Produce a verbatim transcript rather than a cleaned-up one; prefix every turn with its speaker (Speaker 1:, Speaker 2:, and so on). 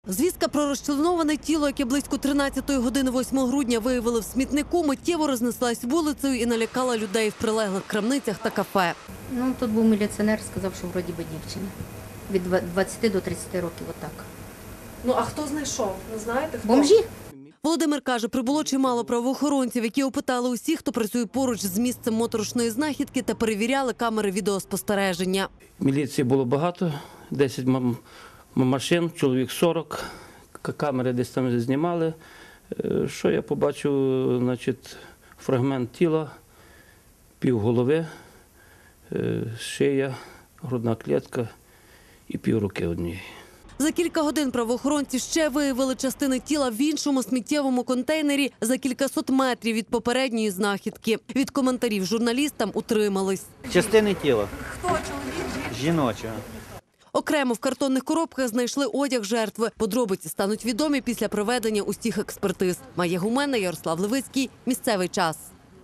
Speaker 1: Звістка про розчленоване тіло, яке близько тринадцятої години восьмого грудня виявили в смітнику, миттєво рознеслась вулицею і налякала людей в прилеглих крамницях та кафе.
Speaker 2: Ну, тут був міліціонер, сказав, що вроді би дівчина. Від двадцяти до тридцяти років, отак.
Speaker 3: Ну, а хто знайшов? Не знаєте, хто?
Speaker 2: Бомжі?
Speaker 1: Володимир каже, прибуло чимало правоохоронців, які опитали усіх, хто працює поруч з місцем моторошної знахідки та перевіряли камери відеоспостереження.
Speaker 4: Міліції було багато, десять машин, чоловік сорок, камери десь там знімали. Що я побачив, значить, фрагмент тіла, півголови, шия, грудна клітка і півруки однієї.
Speaker 1: За кілька годин правоохоронці ще виявили частини тіла в іншому сміттєвому контейнері за кількасот метрів від попередньої знахідки. Від коментарів журналістам утримались.
Speaker 5: Частини тіла. Хто? Чоловік? Жіночого.
Speaker 1: Окремо в картонних коробках знайшли одяг жертви. Подробиці стануть відомі після проведення усіх експертиз. Майя Гумена, Ярослав Левицький. Місцевий час.